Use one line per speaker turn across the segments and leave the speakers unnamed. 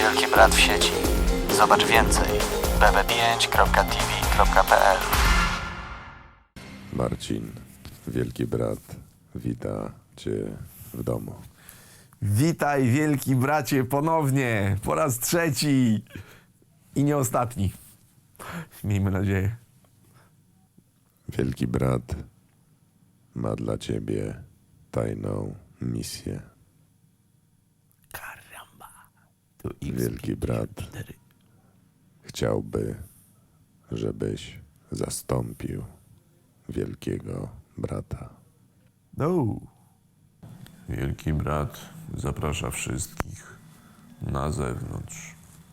Wielki Brat w sieci. Zobacz więcej bb5.tv.pl.
Marcin, Wielki Brat, wita cię w domu.
Witaj, wielki bracie, ponownie, po raz trzeci i nie ostatni. Miejmy nadzieję.
Wielki Brat ma dla ciebie tajną misję.
Karamba.
Wielki Brat chciałby, żebyś zastąpił Wielkiego Brata.
No.
Wielki Brat zaprasza wszystkich na zewnątrz.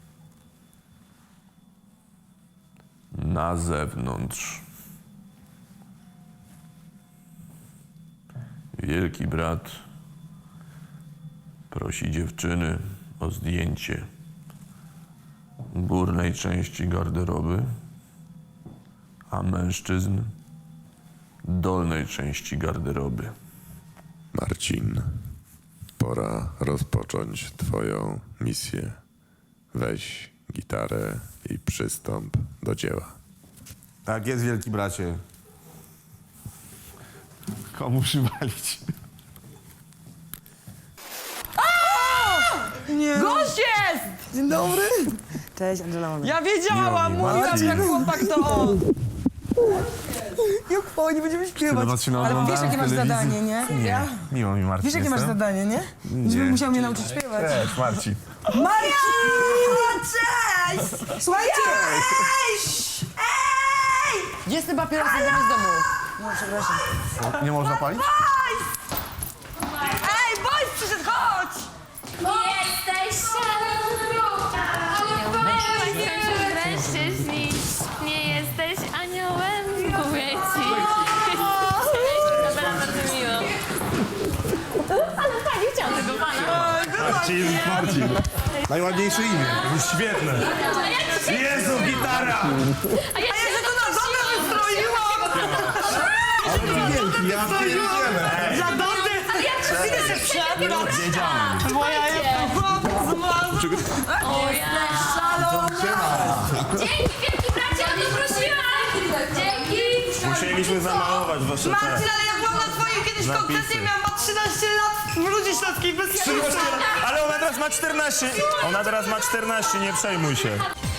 Na zewnątrz. Wielki Brat prosi dziewczyny o zdjęcie górnej części garderoby, a mężczyzn dolnej części garderoby.
Marcin, pora rozpocząć twoją misję. Weź gitarę i przystąp do dzieła.
Tak jest, wielki bracie. Komu przywalić?
Gość jest!
Dzień dobry.
Cześć, Angela.
Ja wiedziałam, mówiłam, jak chłopak to on. Jak fajnie, będziemy śpiewać. Ale wiesz, jakie masz zadanie, nie?
Nie, miło mi, Marcin.
Wiesz, jakie masz
jestem.
zadanie, nie? Żebym musiał mnie nauczyć śpiewać.
Cześć, Marcin.
Maria! Cześć! Słuchajcie! Cześć! Ej! Gdzie jest ten papieros z domu? No, przepraszam.
Nie można palić?
Ej, boys przyszedł, chodź!
Jesteś szalona, mężczyźni, nie jesteś aniołem, mówię ci. Dobra, bardzo miło. Ale tak, nie chciałam tego pana.
Marcin. Najładniejsze imię. Świetne. Jezu, gitara!
A ja się
To na dole wystroiłam!
Wielki, ja pierdzielę.
Za dole! Idę się przebrać! Moja jest
O, jesteś szalona. Dzięki, wielki bracie, o nie prosiłam. Dzięki.
Musieliśmy zamalować wasze
Marcin, ale ja byłam na twojej kiedyś koncesji, miałam ma 13 lat w Rudzie Śląskiej bez
Ale ona teraz ma 14. Ona teraz ma 14, nie przejmuj się.